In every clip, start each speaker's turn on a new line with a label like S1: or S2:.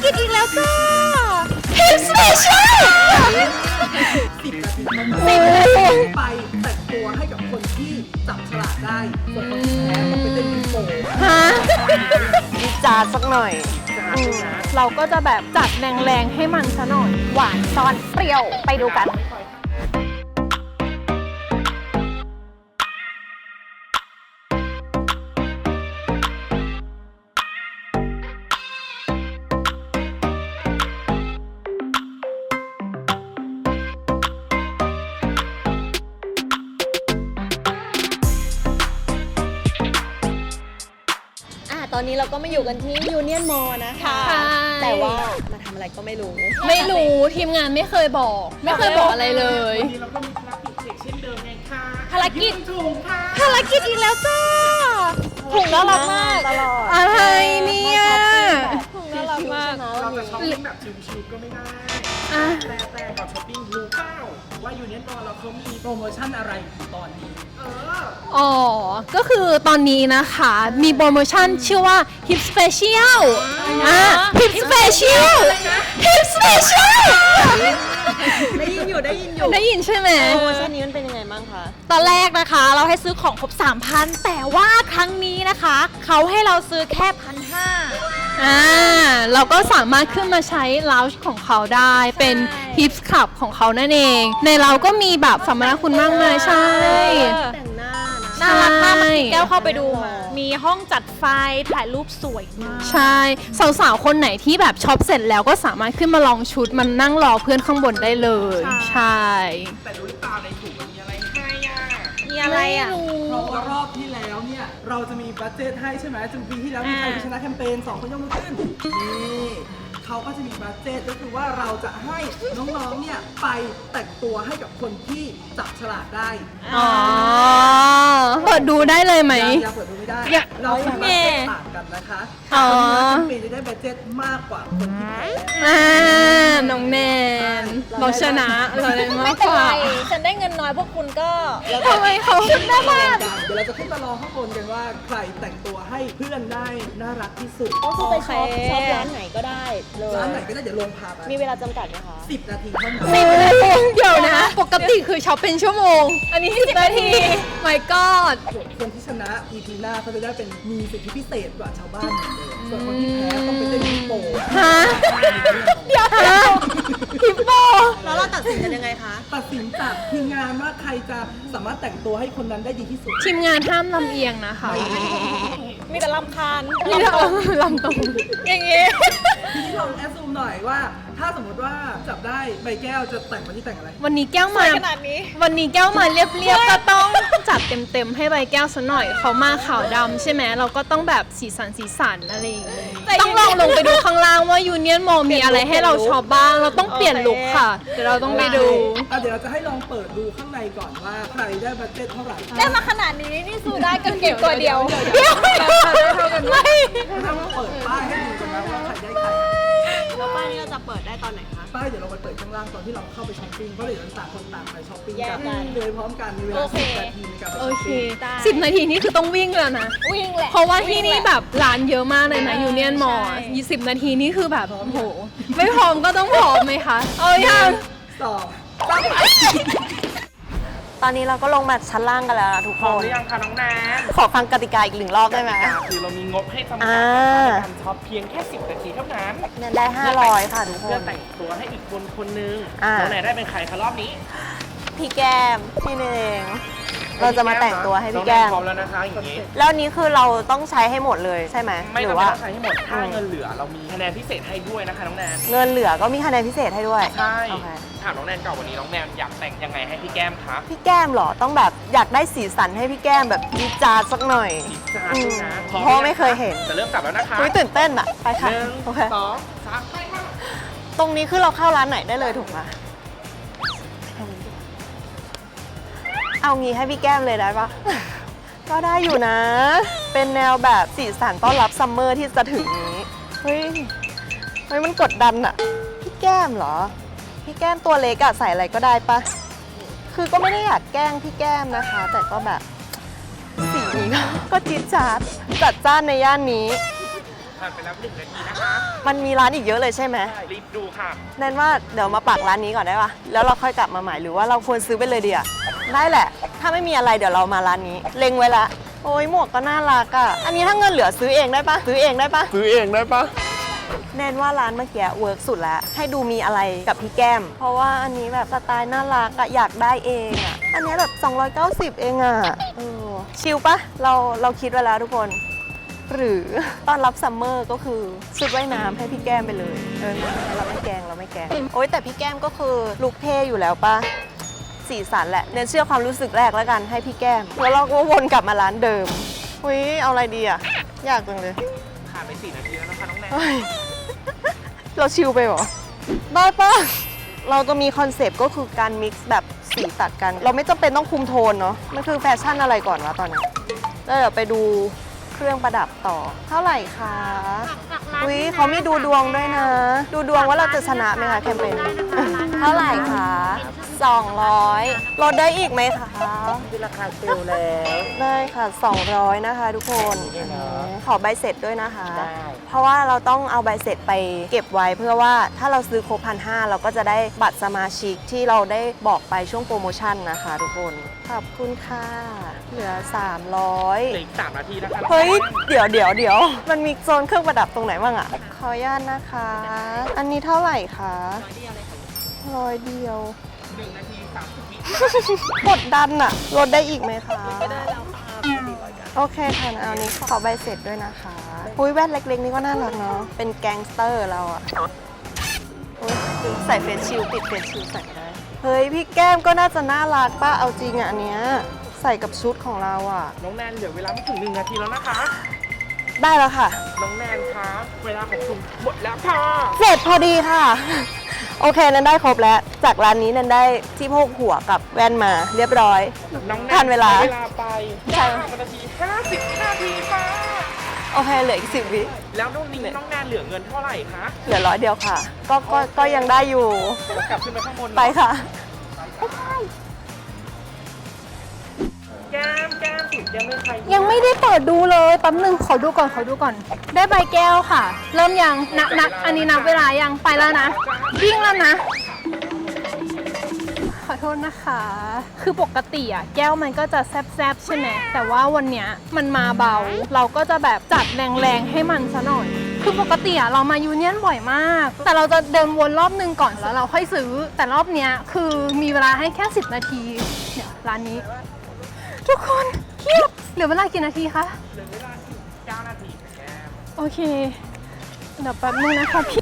S1: กิจอีกแล้วจ้าฮิปสเปเชียล
S2: 10 นาทีไปแต่งตัวให้กับคนที่จับฉลากได้ส่วนคนที่แพ้ต้องไปเต้นดิโก้
S1: ฮะ
S3: ดีจาสักหน่อย
S1: เราก็จะแบบจัดแรงๆให้มันซะหน่อยหวานซ่อนเปรี้ยวไปดูกัน
S3: ตอนนี้เราก็มาอยู่กันที่ยูเนียนมอลนะคะ แต่ว่ามาทำอะไรก็ไม่รู้
S1: ไม่รู้ทีมงานไม่เคยบอก ไม่เคยบอกอะไรเลย
S2: วันนี้เราก็มีภารกิจเด็กเช่นเดิมไงค่ะ
S1: ภารกิจ
S2: ถุงค่ะ
S1: ภารกิจอีกแล้วจ้าถุงน่ารักมาก
S3: ตลอด
S1: อะไรเนี่ยถุง
S3: น่า
S1: น่า
S3: รั
S1: รั
S3: ก
S1: ก
S3: มาม
S1: าก ก
S2: เราจะช้อปปิ้งแบบชิวๆก็ไม่ได้
S1: อ่ะ
S2: แต่กับช้อปปิ้งรู้เปล่าว่ายูเนียนมอลเราเขามีโปรโมชั่นอะไรอยู่ตอนนี้
S1: อ๋อ ก็คือตอนนี้นะคะมีโปรโมชั่นชื่อว่า Hip Special Hip Special Hip Special
S3: ได้ยินอยู่
S1: ได้ยินใช่ไหม
S3: โปรโมชั่นนี้มันเป็นยังไงบ้างคะ
S4: ตอนแรกนะคะเราให้ซื้อของครบ 3,000 แต่ว่าครั้งนี้นะคะเขาให้เราซื้อแค่ 1,500
S1: เราก็สามารถขึ้นมาใช้ Lounge ของเขาได้เป็น Hip Club ของเขานั่นเอง ในเราก็มีแบบสัมมนาคุณมากมายใช่
S3: แต่งหน้านะ
S4: น่ารักมาก
S1: ใช่
S4: เมื่อกี้แก้วเข้าไปดูมามีห้องจัดไฟถ่ายรูปสวยมาก
S1: ใช่สาวๆ คนไหนที่แบบช็อปเสร็จแล้วก็สามารถขึ้นมาลองชุดมันนั่งรอเพื่อนข้างบนได้เลย ใช่
S2: แต่รู้หรือเปล่าในถุงมันมีอะไรให้อ่ะ
S4: มีอะไรอ่ะ
S2: เพราะว่ารอบที่แล้วเนี่ยเราจะมีบัดเจ็ตให้ใช่ไหมจนปีที่แล้วมีใครชนะแคมเปญ2 คนยกมือขึ้นนี่เขาก็จะมีบัดเจ็ตก็คือว่าเราจะให้น้องๆเนี่ยไปแต่งตัวให้กับคนที่จับฉลากได้
S1: อ๋อ เปิดดูได้เลยไหม
S2: อย่าเปิดดูไม่ได้ เรามีบัดเจ็ตต่างกันนะคะ
S1: อ๋อ
S2: แคมเปญจะได้บัดเจ็ตมากกว่าคนที่แพ้
S1: น้องแนน เราชนะเราได้มา
S4: ไม่
S1: ก
S4: เป็น
S1: ก
S4: ไร
S1: ว่า
S4: ฉันได้เงินน้อยพวกคุณก็
S1: ทำไมเขา
S2: เดี๋ยวเราจะขึ้นมารอข้างบนกันว่าใครแต่งตัวให้เพื่อนได้น่ารักที่สุด
S3: ก็คือไปช็อปร้านไหนก็ได้เลย
S2: ร้านไหนก็ได้เดี๋ยวลงพาไป
S3: มีเวลาจำกัดไหมคะ
S2: 10 นาทีเท่านั้น
S1: เดี๋ยวนะ ปกติคือช็อปเป็นชั่วโมง อันนี้10 นาที my god
S2: คนที่ชนะ EP หน้าเขาจะได้เป็นมีสิทธิพิเศษกว่าชาวบ้านเหมือนเดิมส่วนคนที่แพ้ต้องไปเต้นฮิปโป
S1: ฮะ เดี๋ยวนะฮิปโป
S3: แล้วเราตัดสินกันยังไงคะ
S2: ตัดสินจากทีมงานว่าใครจะสามารถแต่งตัวให้คนนั้นได้ดีที่สุด
S1: ทีมงานห้ามลำเอียงนะคะ
S4: มีแต่ลำคาญ
S1: นี่เราลำตรง
S4: อย่างงี้
S2: ทีนี้ลองแอดซูมหน่อยว่า ถ้าสมมติว่าจับได้ใบแก้วจะแต่งวันที่แต่งอะไร
S1: วันนี้แก้ว
S4: ส
S1: มา
S4: วยขนาดนี้
S1: วันนี้แก้วมาเรียบๆ ก็ต้องจัดเต็มๆ ให้ใบแก้วซะหน่อย เขามาขาวดำใช่ไหม เราก็ต้องแบบสีสันอะไรอย่างงี้ต้องลองลงไปดูข้างล่างว่ายูเนียนมอลมีอะไรให้เราช็อปบ้าง เราต้องเปลี่ยนลุคค่ะ เดี๋ยวเราต้องไปดู
S2: เดี๋ยวเราจะให้ลองเปิดดูข้างในก่อนว่าใครได้บัดเจ็ตเท่าไหร่
S4: ได้มาขนาดนี้นี่สู้ได้กันเก็บตัวเดียว
S1: ไม่
S2: ถ้าเราเปิดป้ายให้ดูกันนะว่าใครได้ใคร
S3: แล้วป้ายนี้เราจะเปิดได้ตอนไหนคะ
S2: ป้ายเดี๋ยวเราไปเปิดข้างล่างตอนที่เราเข้าไปช้อปปิ้งเพราะเดี๋ยวเราต่างคนต่างไปช้อปปิ้ง
S3: แยกกัน
S2: เลยพร้อมกันมีเวลา
S4: โอเค
S2: 10 นาทีในการไป
S1: โอ
S2: ช้อป
S1: เค
S2: ปิ้ง
S1: 10 นาทีนี่คือต้องวิ่งแล้วนะ
S4: วิ่งแหละ
S1: เพราะว่าที่นี่แบบร้านเยอะมากเลยนะยูเนียนมอล
S4: ใช่
S1: 20 นาทีนี่คือแบบโอ้โห ไม่พร้อมก็ต้องพร้อมไหมคะ เอายัง
S2: สอง
S3: ตอนนี้เราก็ลงมาชั้นล่างกันแล้วนะทุก
S5: พ
S3: ค
S5: ร้อม
S3: น
S5: หรือยังคะน้องแนน
S3: ขอฟังกติกาอีก1 รอบได้ไหม
S5: คือเรามีงบให้จำกัด
S3: อ่า
S5: ในการช็อปเพียงแค่ 10 นาทีเท่านั้น
S3: เนี่ยได้500ค่ะทุกค
S5: เพื่อน แต่งตัวให้อีกคนนึง
S3: อ่า
S5: น้องแนนได้เป็นใครคะรอบนี้
S3: พี่แก้มพี่เนงเราจะมาแต่งตัวให้พี่แก้ม
S5: น้องนนพร้อมแล้วนะคะอย่างนี้
S3: แล้วนี้คือเราต้องใช้ให้หมดเลยใช่ไหม
S5: ไม่
S3: หรื
S5: จำ
S3: อ
S5: เป็น
S3: ว่า
S5: ต้องใช้ให้หมด ถ้าเงินเหลือเรามีคะแนนพิเศษให้ด้วยนะคะน้องแนน
S3: เงินเหลือก็มีคะแนนพิเศษให้ด้วย
S5: ใช่
S3: โอเค
S5: ถามน้องแนนก่อนวันนี้น้องแนนอยากแต่งยังไงให้พี่แก้มคะ
S3: พี่แก้มเหรอต้องแบบอยากได้สีสันให้พี่แก้มแบบจี๊ดจ๊าดสักหน่อย
S5: อีกจานนึงนะ
S3: เพราะไม่เคยเห็น
S5: จะเริ่มจับแล้วนะคะ
S3: อุ๊ยตื่นเต้นอะไปค่ะ
S5: หนึ่ง
S3: โอเค
S5: สองสามไปค่ะ
S3: ตรงนี้คือเราเข้าร้านไหนได้เลยถูกไหมเอางี้ให้พี่แก้มเลยได้ปะ ก็ได้อยู่นะ เป็นแนวแบบสีสันต้อนรับซัมเมอร์ที่จะถึงนี้ เฮ้ยมันกดดันอะพี่แก้มเหรอ พี่แก้มตัวเล็กอะใส่อะไรก็ได้ปะคือก็ไม่ได้อยากแกล้งพี่แก้มนะคะ แต่ก็แบบสีนี้ก็จี๊ดจ๊าดจัดจ้านในย่านนี้
S5: ผ่านไปแล้ว1 นาทีนะคะ
S3: มันมีร้านอีกเยอะเลยใช่ไหม
S5: รีบดูค่ะ
S3: แนนว่าเดี๋ยวมาปักร้านนี้ก่อนได้ปะแล้วเราค่อยกลับมาใหม่หรือว่าเราควรซื้อไปเลยดีอะได้แหละ ถ้าไม่มีอะไรเดี๋ยวเรามาร้านนี้ เล็งไว้ละ โอ้ยหมวกก็น่ารักอะอันนี้ถ้าเงินเหลือซื้อเองได้ปะซื้อเองได้ปะ
S5: ซื้อเองได้ปะ
S3: แนนว่าร้านเมื่อกี้เวิร์กสุดแล้ว ให้ดูมีอะไรกับพี่แก้ม เพราะว่าอันนี้แบบสไตล์น่ารักอะอยากได้เองอะอันนี้แบบ290เองอะชิลปะเราคิดไว้แล้วทุกคน หรือต้อนรับซัมเมอร์ก็คือชุดว่ายน้ำให้พี่แก้มไปเลยเราไม่แกล้งโอ๊ยแต่พี่แก้มก็คือลุคเท่อยู่แล้วปะสีสันแหละเน้นเชื่อความรู้สึกแรกแล้วกันให้พี่แก้มแล้วเราก็วนกลับมาร้านเดิมอุ้ยเอาอะไรดีอะยากจังเลย
S5: ผ่านไป4 นาทีแล้วนะคะน้องแนน
S3: เฮ้ย เราชิลไปเหรอได้ปะเราจะมีคอนเซปต์ก็คือการมิกซ์แบบสีตัดกัน เราไม่จำเป็นต้องคุมโทนเนาะมันคือแฟชั่นอะไรก่อนวะตอนนี้แล้วเดี๋ยวไปดูเครื่องประดับต่อเท่าไหร่คะอุ้ยเขามีดูดวงด้วยนะ ดูดวงว่าเราจะชนะไหมคะแคมเปญนี้เท่าไหร่คะ200ลดได้อีกไหมคะ
S2: คือราคาเซลล์แล้ว
S3: ได้ค่ะ200นะคะทุกคนขอใบเสร็จด้วยนะคะ เพราะว่าเราต้องเอาใบเสร็จไปเก็บไว้เพื่อว่าถ้าเราซื้อครบ1,500เราก็จะได้บัตรสมาชิกที่เราได้บอกไปช่วงโปรโมชั่นนะคะทุกคนขอบคุณค่ะเหลือ
S5: เหลือ
S3: 300
S5: อีก3 นาทีนะคะ
S3: เฮ้ยเดี๋ยวมันมีโซนเครื่องประดับตรงไหนบ้างอะขออนุญาตนะคะ อันนี้เท่าไหร่คะ100 เดียว
S5: 1 นาที 30 วิ
S3: กดดันอะลดได้อีกไหมคะไม่ได้แล้วโอเคค่ะเอานี้ขอใบเสร็จด้วยนะคะอุ้ยแว่นเล็กๆนี่ก็น่ารักเนาะเป็นแก๊งสเตอร์เราอะอุ๊ยใส่เฟซชิลติดเฟซชิลใส่ได้เฮ้ยพี่แก้มก็น่าจะน่ารักป้าเอาจริงอะอันเนี้ยใส่กับชุดของเราอะ
S5: น้องแนนเหลือเวลาไม่ถึง1 นาทีแล้วนะคะ
S3: ได้แล้วค่ะ
S5: น้องแนนคะเวลาของคุณหมดแล้วค่ะ
S3: เสร็จพอดีค่ะ โอเคนันได้ครบแล้ว จากร้านนี้นันได้ที่โพกหัวกับแว่นมาเรียบร้อย
S5: น้องแนน
S3: ทันเวลา
S5: ใช้เวลาไป9 นาที 50 นาทีค่ะ
S3: โอเคเหลืออีก10 วิ
S5: แล้วน้องนิ้งน้องแนนเหลือเงินเท่าไหร่คะ
S3: เหลือ100 เดียวค่ะ ก็ยังได้อยู่
S5: เดี๋ยวกลับขึ้นไปข้างบน
S3: ไปค่ะ
S5: แก้มสุดยังไม่ใคร
S1: ยังไม่ได้เปิดดูเลยแป๊บนึงขอดูก่อน ได้ใบแก้วค่ะ เริ่มยังนับอันนี้นับเวลายังไปแล้วนะวิ่งแล้วนะ ขอโทษนะคะ คือปกติอะแก้วมันก็จะแซบๆใช่ไหมแต่ว่าวันเนี้ยมันมาเบา เราก็จะแบบจัดแรงๆให้มันซะหน่อย คือปกติอะเรามายูเนียนบ่อยมาก แต่เราจะเดินวนรอบนึงก่อนแล้วเราค่อยซื้อ แต่รอบเนี้ยคือมีเวลาให้แค่10 นาทีเนี่ยร้านนี้ ทุกคนเครียดเหลือเวลากี่นาทีคะ
S5: เหลือเวลาอีก9 นาทีค่ะแก้ม
S1: โอเค เดี๋ยวแป๊บนึงนะคะพี่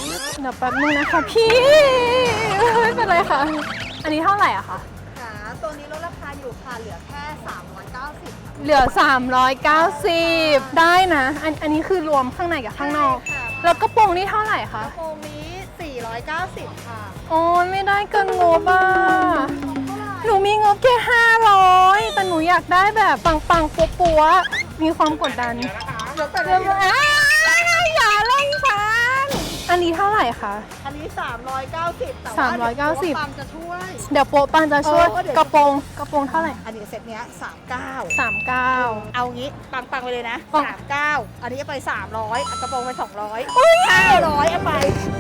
S1: ไม่เป็นไรค่ะ อันนี้เท่าไหร่อะคะ
S3: ค่ะตัวนี้ลดราคาอยู่ค่ะเหลือแค่390
S1: เหลือ 390 ได้นะ อันนี้คือรวมข้างในกับข้างนอก แล้วกระโปรงนี่เท่าไหร่คะ
S3: โปรงนี้490ค่ะ
S1: โอ้ยไม่ได้เกินงบอ่ะ หนูมีงบแค่500 แต่หนูอยากได้แบบปังๆปัวๆมีความกดดัน
S5: เดี๋ยวนะคะ
S1: เริ่มอย่าเล่นฉัน อันนี้เท่าไหร่คะ
S3: อันนี้390แต่ว่า
S1: 390
S3: ปังจะช่วย
S1: เดี๋ยวโป๊ะปันจะช่วย
S3: เดี๋ยว
S1: กระโปรงเท่าไหร่
S3: อันนี้เซตเนี้ย39
S1: 39
S3: เอางี้ปังๆไปเลยนะ
S1: ปัง
S3: 39อันนี้ไป300กระโปรงไป200 500เอาไป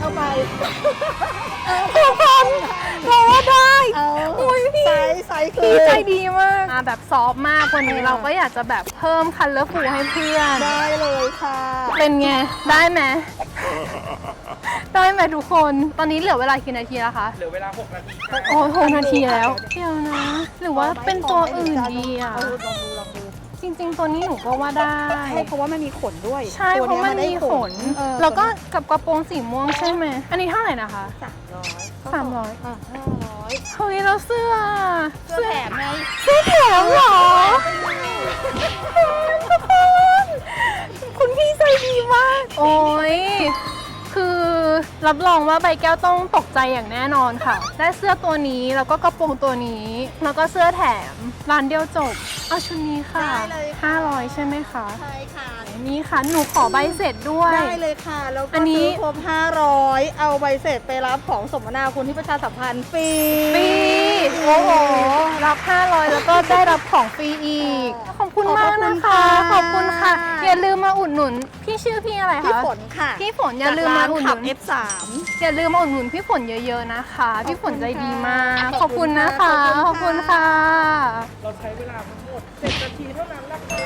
S1: ทุกคนเราว่าได้
S3: โอ้ยพี่ไซส์คื
S1: พี่
S3: อ
S1: ใจดีมากแบบซอฟต์มากวันนี้เราก็อยากจะแบบเพิ่มคัลเลอร์ฟูให้เพื่อน
S3: ได้เลยค่ะ
S1: เป็นไง ได้ไหม ได้ไหมทุกคน ตอนนี้เหลือเวลากี่นาทีแล้วคะ
S5: เหลือเวลา6 นาทีค่ะ
S1: โอ้ย6 นาทีแล้วเดี๋ยวนะ หรือว่าเป็นตัวอื่นดีอ่ะ
S3: ลองดู
S1: จริงๆ ตัวนี้หนูก็ว่าได้
S3: ใช่เพราะว่ามันมีขนด้วย
S1: ใช่เพราะมันมีขน แล้วก็กับกระโปรงสีม่วงใช่ไหม อันนี้เท่าไหร่นะคะ
S3: 300
S1: 300เฮ้ยแล้วเสื้อ
S3: เสื้อแถมไง
S1: เสื้อแถมเหรอทุกคนคุณพี่ใจดีมาก โอ้ยคือรับรองว่าใบแก้วต้องตกใจอย่างแน่นอนค่ะ ได้เสื้อตัวนี้แล้วก็กระโปรงตัวนี้ แล้วก็เสื้อแถมร้านเดียวจบเอาชุดนี้ค่ะ
S3: ได้เลยค่ะ
S1: 500 ใช่ไหมคะ
S3: ใช่ค่ะ
S1: นี่ค่ะ หนูขอใบเสร็จด้วย
S3: ได้เลยค่ะ แล้ว
S1: อั
S3: ก็
S1: นนี้
S3: ซื้อครบ500 เอาใบเสร็จไปรับของสมนาคุณที่ประชาสัมพันธ์ฟรี
S1: ฟรีโอ้โห รับ 500 แล้วก็ได้รับของฟรีอีก ขอบคุณมากนะคะ ขอบคุณค่ะ อย่าลืมมาอุดหนุน พี่ชื่อพี่อะไรคะ
S3: พี่ฝนค่ะ
S1: พี่ฝนอย่าลืมมาอุดห
S3: ขั
S1: นุ
S3: บ
S1: น
S3: F3
S1: อย่าลืมมาอุดหนุนพี่ฝนเยอะๆนะคะ พี่ฝนใจดีมาก ข
S3: ข
S1: อ
S3: อ
S1: บบ
S3: คุ
S1: คุณ
S3: ณ
S1: นะ
S3: ค่ะ
S1: คะ ข
S3: ข
S1: อ
S3: อ
S1: บบ
S3: คุ
S1: คุณ
S3: ณ
S1: ค่ะ
S3: ค่ะ
S5: เราใช้เวลาทั้งหมด7 นาทีเท่านั้นแหละค่ะ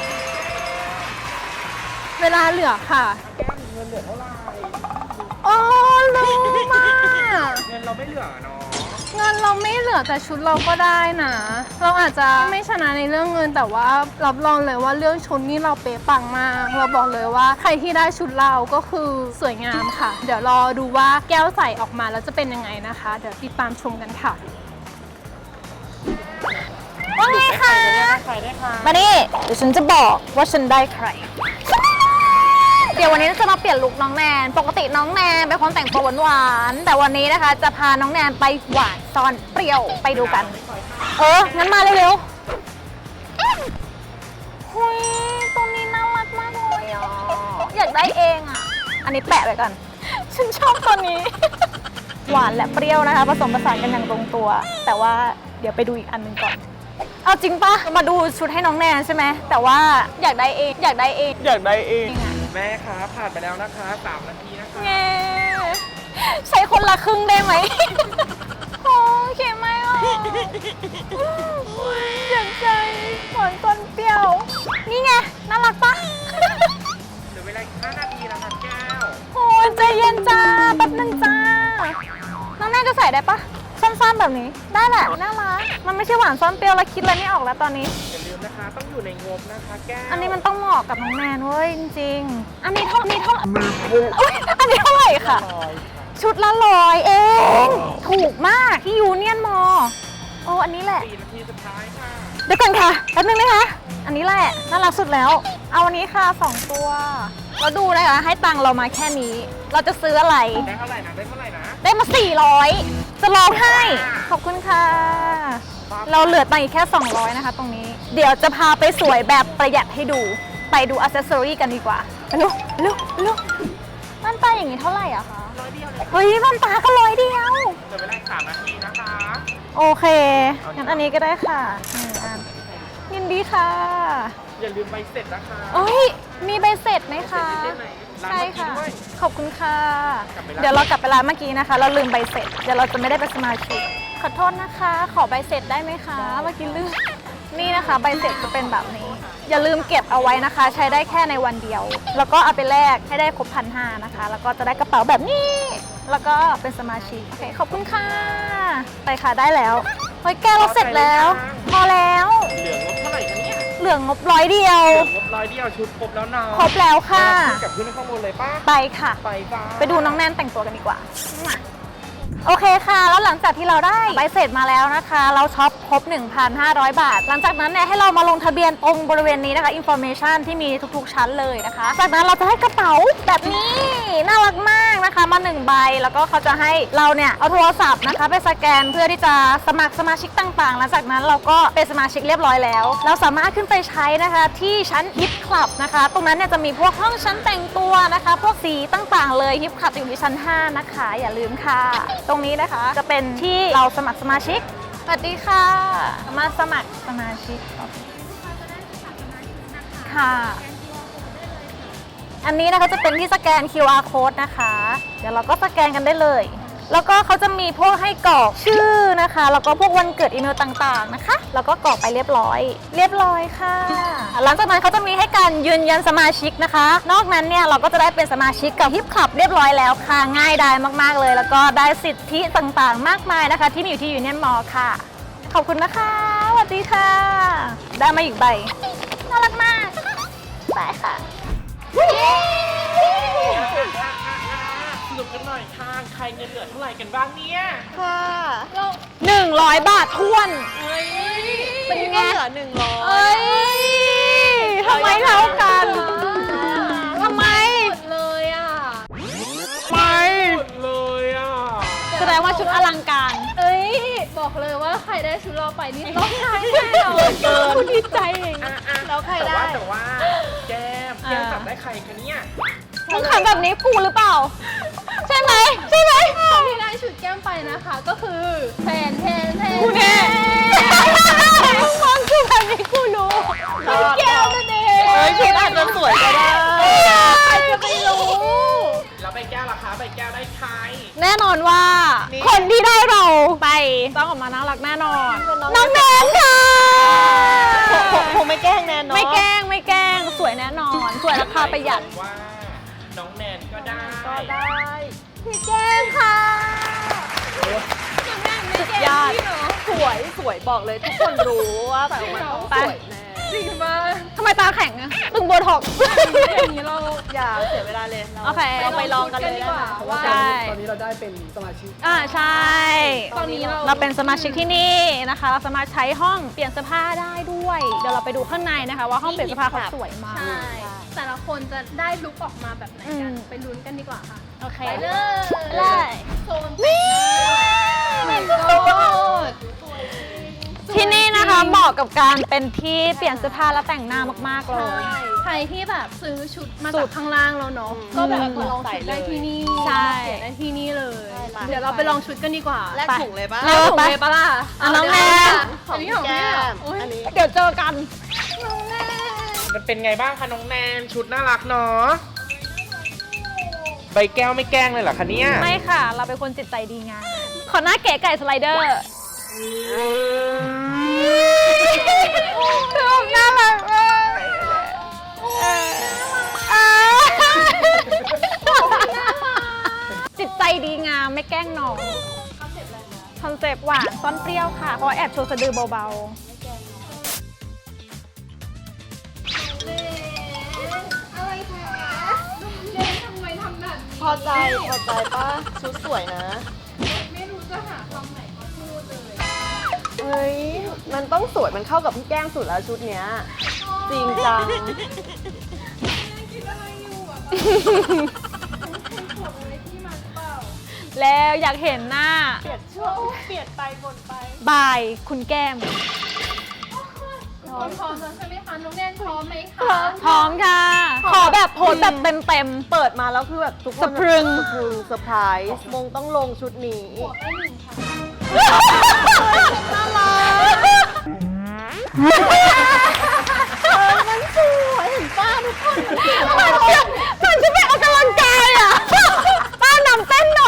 S1: เวลาเหลือค่ะ
S5: แก้มเงินเหลือเท่าไหร่
S1: โอ้รู้มาก
S5: เงินเราไม่เหลือเนาะ
S1: เงินเราไม่เหลือแต่ชุดเราก็ได้นะ เราอาจจะไม่ชนะในเรื่องเงินแต่ว่ารับรองเลยว่าเรื่องชุดนี่เราเป๊ะปังมาก เราบอกเลยว่าใครที่ได้ชุดเราก็คือสวยงามค่ะ เดี๋ยวรอดูว่าแก้วใส่ออกมาแล้วจะเป็นยังไงนะคะ เดี๋ยวติดตามชมกันค่ะว่าไงคะ
S5: ใครได้ค่ะ
S4: มานี่เดี๋ยวฉันจะบอกว่าฉันได้ใคร เดี๋ยววันนี้จะมาเปลี่ยนลุคน้องแนน ปกติน้องแนนเป็นคนแต่งตัวหวานๆแต่วันนี้นะคะ จะพาน้องแนนไปหวานซ่อนเปรี้ยวไปดูกัน งั้นมาเร็วๆหุยตัวนี้น่ารักมากเลยอ่ะ อยากได้เองอ่ะ อันนี้แปะไว้ก่อน ฉันชอบตัวนี้ หวานและเปรี้ยวนะคะผสมผสานกันอย่างลงตัว แต่ว่าเดี๋ยวไปดูอีกอันหนึงก่อน เอาจริงปะมาดูชุดให้น้องแนนใช่ไหมแต่ว่าอยากได้เอง อยากได้เอง
S5: อยากได้เอง แม่คะผ่านไปแล้วนะคะ3 นาทีนะคะ
S4: แงใช้คนละครึ่งได้ไหม โอ้เขียนไม่ออกอยากใจหวานต้นเปรี้ยว นี่ไง น่ารักปะ
S5: เหลือเวลาอีก5 นาทีนะคะแก้ว
S4: โอ้ยใจเย็นจ้าแป๊บนึงจ้า น้องแน่จะใส่ได้ปะสั้นๆแบบนี้ ได้แหละ น่ารัก มันไม่ใช่หวานซ่อนเปรี้ยวแล้วคิดอะไรไม่ออกแล้วตอนนี้
S5: อย่าลืมนะคะ ต้องอยู่ในงบนะคะแก้ว
S4: อันนี้มันต้องเหมาะกับน้องแนนเว้ยจริงๆ อันนี้เท่าอุ๊ยอันนี้เท่าไหร่ค่ะ ชุดละ100 เอง ถูกมากที่ยูเนียนมอโอ้อันนี้แหละ
S5: 4 นาทีสุดท้ายค่ะ
S4: เดี๋ยวก่อนค่ะแป๊บนึงนะคะ อันนี้แหละน่ารักสุดแล้ว เอาอันนี้ค่ะ2 ตัวแล้วดูนะคะให้ตังค์เรามาแค่นี้ เราจะซื้ออะไร
S5: ได้เท่าไหร่นะ ได้เท่าไหร่นะ
S4: ได้มา 400 จะร้องให้ ขอบคุณค่ะ เราเหลือตังค์อีกแค่ 200 นะคะ ตรงนี้ เดี๋ยวจะพาไปสวยแบบประหยัดให้ดู ไปดูอัซเซสซอรี่กันดีกว่าไปลูกม่านตาอย่างนี้เท่าไหร่อะคะ
S5: 100 เดียวเลย
S4: เฮ้ยม่านตาก็100 เดียว
S5: เหลือเวลาอีก3 นาทีนะคะ
S4: โอเคงั้นอันนี้ก็ได้ค่ะ1 อันยินดีค่ะ
S5: อย่าลืมใบเสร็จนะคะ
S4: เอ้ย มีใบเสร็จไหมคะ
S5: ได้ไหมร้าน
S4: ใช่
S5: เมื่อกี้
S4: ค่ะ
S5: ด้วย
S4: ขอบคุณค่ะ
S5: กลับไปร้าน
S4: เดี๋ยวเรากลับไปร้านเมื่อกี้นะคะ เราลืมใบเสร็จ เดี๋ยวเราจะไม่ได้เป็นสมาชิก ขอโทษนะคะ ขอใบเสร็จได้ไหมคะ เมื่อกี้ลืม นี่นะคะใบเสร็จจะเป็นแบบนี้ อย่าลืมเก็บเอาไว้นะคะ ใช้ได้แค่ในวันเดียว แล้วก็เอาไปแลกให้ได้ครบ1,500นะคะ แล้วก็จะได้กระเป๋าแบบนี้ แล้วก็เป็นสมาชิก โอเค ขอบคุณค่ะ ไปค่ะได้แล้วเฮ้ยแกเราเสร็จแล้ว พอแล้ว
S5: เหลืองบเท่าไหร่คะเนี่ย
S4: เหลืองบ100 เดียว
S5: เหลืองบ100 เดียวชุดครบแล้วเนาะ
S4: ครบแล้วค่ะ
S5: กลับขึ้นไปข้างบนเลยป้า
S4: ไปค่ะ
S5: ไปบ้า
S4: ไปดูน้องแนนแต่งตัวกันดีกว่า โอเคค่ะ แล้วหลังจากที่เราได้ใบเสร็จมาแล้วนะคะ เราช็อปครบ 1,500 บาท หลังจากนั้นเนี่ยให้เรามาลงทะเบียนตรงบริเวณนี้นะคะ information ที่มีทุกๆชั้นเลยนะคะ จากนั้นเราจะให้กระเป๋าแบบนี้ น่ารักมากนะคะ มา1 ใบ แล้วก็เขาจะให้เราเนี่ยเอาโทรศัพท์นะคะไปสแกนเพื่อที่จะสมัครสมาชิกต่างๆ หลังจากนั้นเราก็เป็นสมาชิกเรียบร้อยแล้ว เราสามารถขึ้นไปใช้นะคะที่ชั้นฮิปคลับนะคะ ตรงนั้นเนี่ยจะมีพวกห้องชั้นแต่งตัวนะคะ พวกสีต่างๆ เลยฮิปคลับอยู่ที่ชั้น 5 นะคะ อย่าลืมค่ะ ตรงนี้นะคะจะเป็นที่เราสมัครสมาชิก สวัสดีค่ะ มาสมัครสมาชิกค่ะ อันนี้นะคะจะเป็นที่สแกน QR code นะคะ เดี๋ยวเราก็สแกนกันได้เลย แล้วก็เขาจะมีพวกให้กรอกชื่อนะคะ แล้วก็พวกวันเกิดอีเมลต่างๆนะคะ แล้วก็กรอกไปเรียบร้อยค่ะ หลังจากนั้นเขาจะมีให้การยืนยันสมาชิกนะคะ นอกนั้นเนี่ยเราก็จะได้เป็นสมาชิกกับฮิปคลับเรียบร้อยแล้วค่ะ ง่ายดายมากๆเลย แล้วก็ได้สิทธิต่างๆ มากมายนะคะ ที่มีอยู่ที่ยูเนียนมอลล์ค่ะ ขอบคุณนะคะสวัสดีค่ะ ได้มาอีกใบ น่ารักมากไปค่ะ
S5: สรุปกันหน่อยค่ะ ใครเงินเหลือเท่าไหร่กันบ้างเนี่ย
S3: ค่ะ
S4: 100 บาทท้วน
S3: เป็นไงเหลือ100
S4: เอ้ยทำไมเท่ากันทำไม
S1: เลยอ่ะ
S5: ไปหมดเลยอ่ะ
S4: แสดงว่าชุดอลังการ
S1: เอ้ยบอกเลยว่าใครได้ชุดเราไปนี่ร้องไห้แน่นอนเกินดีใจเอง
S3: แล้วใครได้
S5: แต่ว่าแก้มจับได้ใครคะเนี่ย
S4: มึงทำแบบนี้กูหรือเปล่า ใช่ไหมใช่ไหม
S1: คนที่ได้ชุดแก้มไปนะคะก็คือแทน
S4: กูแน่มองกูแบบนี้กูรู้แก้วนั่นเอง
S3: เฮ้ยชุดอาจจะสวยก็ได้
S4: ใครจะไปรู้
S5: แล้วใบแก้วล่ะคะใบแก้วได้ใคร
S4: แน่นอนว่า คนที่ได้เราไปต้องออกมาน่ารักแน่นอน น้องแนนค่ะ
S3: คงไม่แกล้งแนนเนาะ
S4: ไม่แกล้งสวยแน่นอน สวยราคาประหยัด
S5: ว่าน้องแนนก็ได้
S4: พี่แก้มค่ะ
S3: ญาติสวยบอกเลยทุกคนรู้ว่าแบบมันต้องสวยแน่
S1: จริงมาก
S4: ทำไมตาแข็งอะตึงโบท็อกซ์
S1: อย่างนี้เรา
S3: อย่าเสียเวลาเลย
S4: โอเค
S3: เราไปลองกันเลย
S1: ดีกว่า
S3: ได้ไหม
S1: ว่า
S4: ใช่
S2: ตอนนี้เราได้เป็นสมาชิก
S4: ใช่
S1: ตอนนี้
S4: เราเป็นสมาชิกที่นี่นะคะ เราสามารถใช้ห้องเปลี่ยนเสื้อผ้าได้ด้วย เดี๋ยวเราไปดูข้างในนะคะว่าห้องเปลี่ยนเสื้อผ้าเขาสวยมาก
S1: ใช่แต่ละคนจะได้ลุคออกมาแบบไหนกัน
S4: อืม
S1: ไปลุ้นกันดีกว่าค่ะ
S4: โอเค
S1: ไปเลย
S4: เลย
S1: โซนนี่มันก็
S4: ที่นี่นะคะเหมาะกับการเป็นที่เปลี่ยนเสื้อผ้าและแต่งหน้ามากๆเลย
S1: ใครที่แบบซื้อชุดมาจากข้างล่างแล้วเนาะก็แบบมาลองชุดได้ที่นี่
S4: ใช่
S1: มาเปลี่ยนได้ที่นี่เลย
S3: ใช่
S1: เดี๋ยวเราไปลองชุดกันดีกว่า
S3: แลกถุงเลยปะ
S1: แล้วถุงเลยปะล่ะ
S4: น้องแนน
S1: อันนี้ของพี่เหรออุ๊ย
S3: อันนี้
S4: เดี๋ยวเจอกัน
S5: มันเป็นไงบ้างคะน้องแนนชุดน่ารักเนาะใบแก้วไม่แกล้งเลยเหรอคะเนี่ย
S4: ไม่ค่ะ เราเป็นคนจิตใจดีงามขอหน้าเก๋ไก่สไลเดอร์น่ารักมากจิตใจดีงามไม่แกล้งน้องคอนเซปต์หวานซ่อนเปรี้ยวค่ะ เพราะแอบโชว์สะดือเบาๆ
S1: อะไรคะเล่นทำไมทำแบบนี้
S3: พอใจป้าชุดสวยนะ
S1: ไม่รู้จะหาคำไหนมาพูดเลย
S3: เฮ้ย มันต้องสวย มันเข้ากับพี่แก้มสุดแล้วชุดเนี้ย จริงจัง
S1: คิดอะไรอยู่อ่ะเป็นขวดอะไรที่มันเปล่า
S4: แล้วอยากเห็นหน้า
S3: เปลี่ยนช่วงเปลี่ยนไปบนไป
S4: บายคุณแก้ม
S1: พร้อมแล้วใช่ไหมคะน้องแนนพร้อมไหมคะ
S4: พร้อมค่ะ ขอแบบโพสแบบเต็ม
S3: เปิดมาแล้วคือแบบทุกคน
S4: สะพรึง
S3: เซอร์ไพรส์มงต้องลงชุดนี้
S1: ขวดได้หนึ่งค่ะ
S3: น่ารักมันสวยเห็นป้าทุกคน
S4: มันจะไปออกกำลังกายอ่ะ ป้านำเต้นหน่อย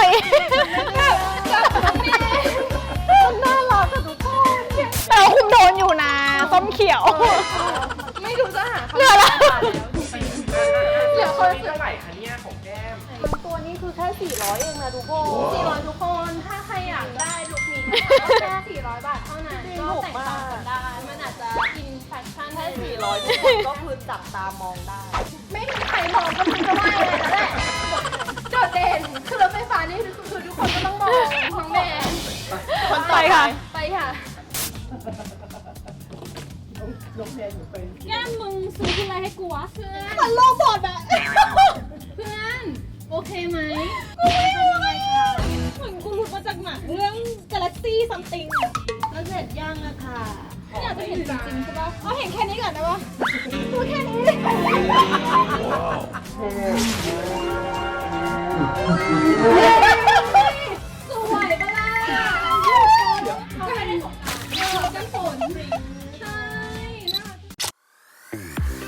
S3: น่ารักกับทุกคน
S4: แต่ว่าคุณโดนอยู่นะส้มเขียว
S1: ไม่รู้จะหาคำ
S4: เหลือละ
S1: เหลือคน
S5: นี้เท่าไหร่คะเนี่ยของแก้ม
S3: ตัวนี้คือแค่400เองนะทุกคน
S1: 400ทุกคน ถ้าใครอยากได้ลุคนี้นะคะแค่400 บาทเท่านั้น ก็แต่งต่างกันได้ มันอาจจะกินแฟชั่น
S3: แค่400ทุกคนก็คือจับตามองได้
S1: ไม่มีใครมองก็มันจะไหวเลยนะแหละโดดเด่นคือรถไฟฟ้านี่คือทุกคนก็ต้องมองน้องแมน
S3: คนต่อไป
S1: ไปค่ะ
S2: ยกแนนอยู่ไป
S4: แก้มมึงซื้ออะไรให้กูวะ
S1: เพื่อน
S4: มันโลบอดอะ
S1: เพื่อน โอเคไหม
S4: เหมือนกูหลุดมาจากหนังเรื่อง Galaxy Something อะ
S1: แล้วเสร็จยังอะค่ะ
S4: ไม่อยากจะเห็นจริงๆใช่ปะเอาเห็นแค่นี้ก่อนได้ปะดูแค่นี้
S1: สวยปะล่ะเขาไม่ได้สงสารเขาจะฝนใช่น่า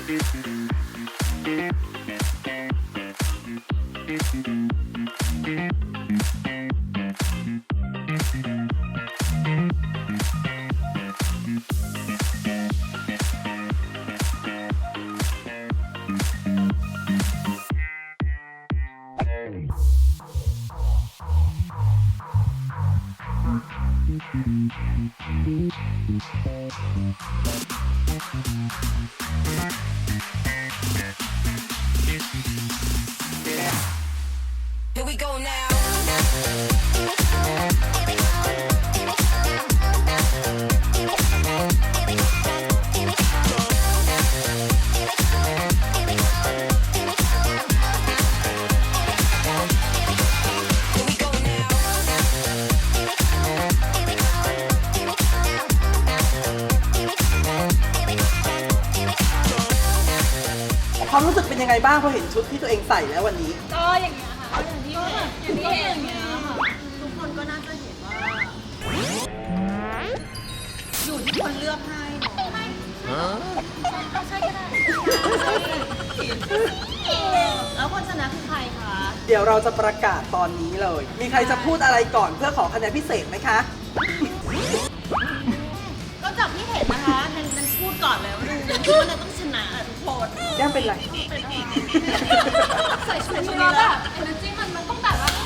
S6: Here we go now. Here we go now.
S2: สึกเป็นยังไงบ้างพอเห็นชุดที่ตัวเองใส่แล้ววันนี้
S1: ก็อย่างเงี้ยค่ะก็อย่างที่เห็นอย่างเงี้ยค่ะ
S3: ทุกคนก็น่าจะเห็นว่า อยู่ที่คนเลือกให้เนาะ
S1: ใช่ก็ได้
S3: แล้วคนชนะคือใครคะ
S2: เดี๋ยวเราจะประกาศตอนนี้เลย มีใครจะพูดอะไรก่อนเพื่อขอคะแนนพิเศษไหมคะ
S3: ก็จากที่เห็นนะคะนันพูดก่อนเลยว่านันคิดว่านันต้องชนะทุกคน
S2: แก้มเป็นไร
S1: ใส่ชุดนี้แล้วแบบเอเนอร์จี้มันต้องแบบว่า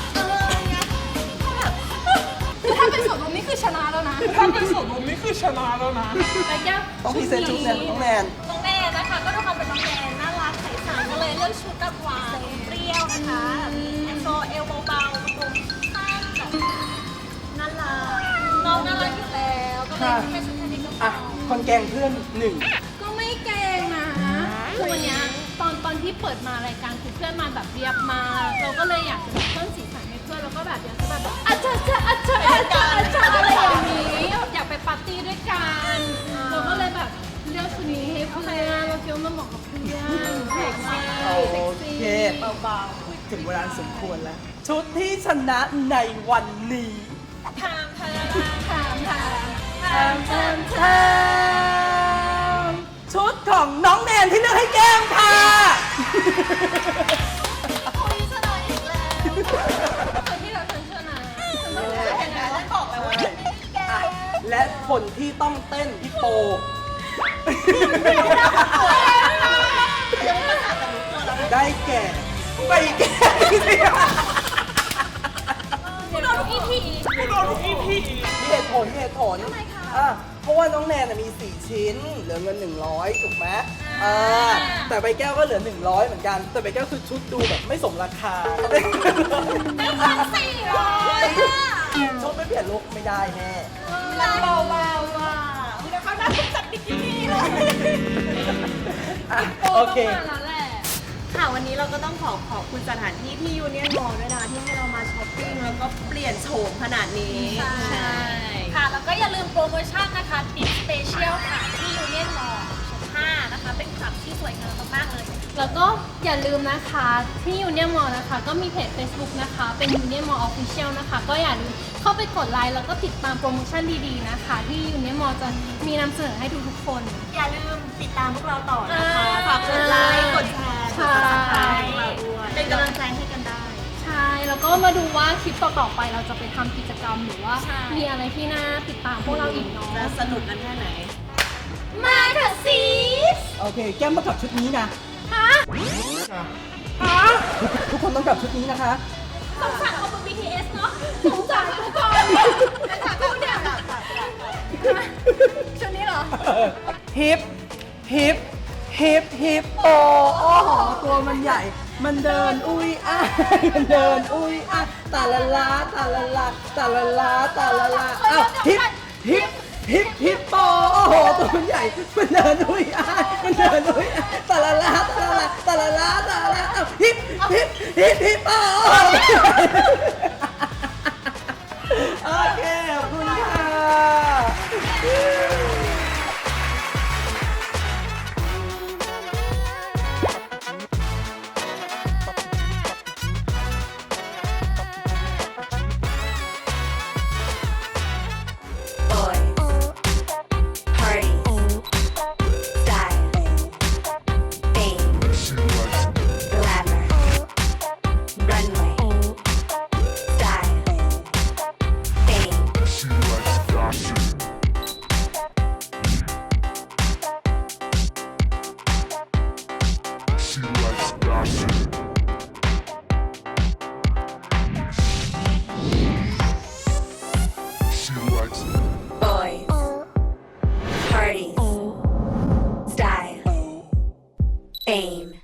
S1: ถ้าเป็นสวนลมนี่คือชนะแล้วนะถ้าเป็นสวนลมนี่คือชนะแล้วนะแต่แก้ว
S2: ต้องพรีเซนต์ชุดแนนน้องแนน
S4: น้องแนนนะคะก็ด้วยความเป็นน้องแนนน่ารักใสๆก็เลยเลือกชุดแบบหวานเปรี้ยวนะคะแอนโซเอลเบาๆตรงข้างแบบน่ารักน้องน่ารักอยู่แล้วก็เลยเป็นชุดแค่นี้ก็พ
S2: อ่ะ
S4: อ
S2: คนแกงเพื่อนหนึ่ง
S1: ก็ไม่เก่งนะคือวันเนี้ยตอนที่เปิดมารายการคือเพื่อนมาแบบเรียบมากเราก็เลยอยากจะแบบเพิ่มสีสันให้เพื่อนแล้วก็แบบอยากจะแบบอาจารย์อะไรอย่างนี้อยากไปปาร์ตี้ด้วยกันเราก็เลยแบบเลือกชุดนี้ให้เพื่อนเราคิดว่ามันเหมาะกับเพื่อนเซ็กซี่
S2: โอเคเบาๆถึงเวลาสมควรแล้ว ชุดที่ชนะในวันนี้
S1: ถาม
S2: ชุดของน้องแนนที่เลือกให้แก้มค่ะ
S1: คุยชนะอีกแล้วคนที่เราชนะ
S3: บอกเลยว่า
S2: อ่ะและคนที่ต้องเต้นพี่โป ได้แก่ใบแก้ว
S1: โดนทุกอีพี
S2: มีเหตุผลอ่ะเพราะว่าน้องแนนน่ะมี 4 ชิ้น เหลือเงิน 100 ถูกไหมแต่ใบแก้วก็เหลือ 100 เหมือนกัน แต่ใบแก้วคือชุดดูแบบไม่สมราคาชุดไม่เปลี่ยนลุคไม่ได้แน่
S3: เบาๆว่ะเดี๋ยวเขาน่าจะจัดบิกินี่เลย
S2: อ่ะโอเค
S1: แล้วแหละ
S3: ค่ะวันนี้เราก็ต้องขอบคุณสถานที่ที่ยูเนียนมอลล์ด้วยนะที่ให้เรามาช้อปปิ้งแล้วก็เปลี่ยนโฉมขนาดนี้
S4: ใช่ค่ะ แล้วก็อย่าลืมโปรโมชั่นนะคะดิสเปเชียลค่ะที่ยูเนียนมอลล์ชั้น5นะคะ เป็นคลับที่สวยงามมากๆเลย
S1: แล้วก็อย่าลืมนะคะที่ยูเนียนมอลนะคะก็มีเพจ Facebook นะคะเป็นยูเนียนมอลออฟฟิเชียลนะคะก็อย่าลืมเข้าไปกดไลค์แล้วก็ติดตามโปรโมชั่นดีๆนะคะ ที่ยูเนียนมอลจะมีนำเสนอให้ทุกๆคน
S3: อย่าลืมติดตามพวกเราต่อนะคะฝากกดไลค์กดแชร์กด subscribe เราด้วยเป็นกำลังใจให้กันได้
S1: ใช่แล้วก็มาดูว่าคลิปต่อๆไปเราจะไปทำกิจกรรมหรือว่า
S4: ใช่
S1: มีอะไรที่น่าติดตามพวกเราอีกเนาะ
S3: จะสนุกกันแค่ไหน
S1: มาเถอะซีส
S2: โอเค แก้มต้องกลับชุดนี้นะ
S1: ฮะ
S2: ทุกคนต้องกลับชุดนี้นะคะ
S1: สงสารเอาบน BTS เนาะสงสารทุกคนนะคะกูเนี่ยชุดนี้เหรอ
S2: ฮิปโปโอ้โหตัวมันใหญ่ มันเดินอุ้ยอ้ายมันเดินอุ้ยอ้ายตาละลาตาละลาตาละลาตาละลาอ้าวฮิปโปโอ้โหตัวมันใหญ่ มันเดินอุ้ยอ้ายมันเดินอุ้ยอ้ายตาละลาตาละลาตาละลาตาละลาอ้าวฮิปโปโอเคขอบคุณค่ะ
S6: Boys, party, style, fame, glamour, runway, style, fame.
S7: She likes fashion. She likes fashion. She likes
S6: Boys, parties, style, fame.